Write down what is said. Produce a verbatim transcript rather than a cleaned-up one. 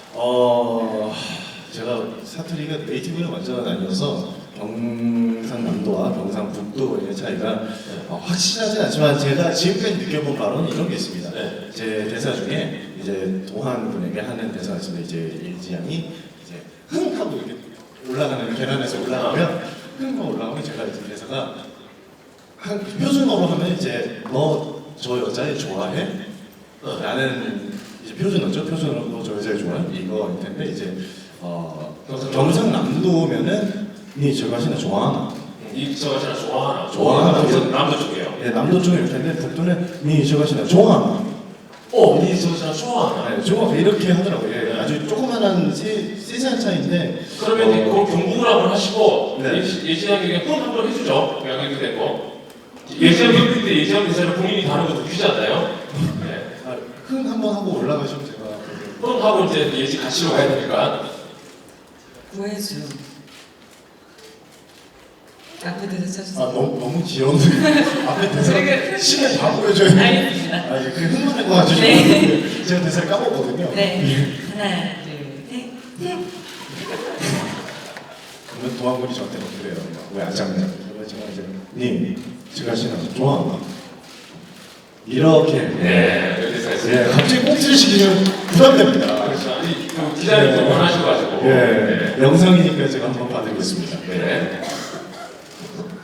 어 제가 사투리가 네이티브는 완전 아니어서 경상남도와 경상북도의 차이가 어, 확실하진 않지만 제가 지금까지 느껴본 바로는 이런 게 있습니다. 네. 제 대사 중에 이제 도한 분에게 하는 대사가 있습니다. 이제 일지 양이 이제 흥 하고 이렇게 올라가는 계단에서 올라가면 흥 하고 올라가면 제가 이제 대사가 한 표준어로 하면 이제 너 저 여자애 좋아해? 라는 이제 표준어죠. 표준어로 너 저 여자애 좋아해? 이거일 텐데 이제 어 경상남도면은 니 저 가시나 좋아하나? 이 저가 진짜 좋아하나? 좋아하나? 그래서 남도 쪽이에요. 예, 남도 쪽일 텐데 북도는 니 저 가시나 좋아하나? 어, 니 저가 진짜 좋아하나? 네, 좋아 이렇게 하더라고요. 예, 아주 조그만한 세, 세세한 차이인데 그러면 이제 어, 그 경북을 한번 하시고 네. 예지하게 그냥 폰 한번 해주죠. 그냥 이렇게 되고 예지하게 했는데 예지하게 대사를 본인이 다른 것도 웃기지 않나요? 네. 아, 흥 한번 하고 올라가시면 제가 폰 하고 이제 예지 같이로 가야 되니까. 구해줘. 앞에 대사 아 쳐주세요. 너무 너무 귀여운데 앞에 대사 시계 다 보여줘야 돼. 알겠습니다. 아 이게 그냥 흥만 하고 가지고 네. 제가 대사를 까먹거든요. 네. 하나, 둘, 셋, 넷. 그러면 도안군이 저한테는 그래요. 왜 안 잡냐? 그러면 제가 이제 님 제가 신나 좋아한다. 이렇게 네, 그 대사 예, 있습니다. 갑자기 꽁트를 시키면 부담됩니다. 그렇죠. 아니, 그 기자님도 원하셔가지고. 예, 영상이니까 제가 한번 봐드리겠습니다. 네.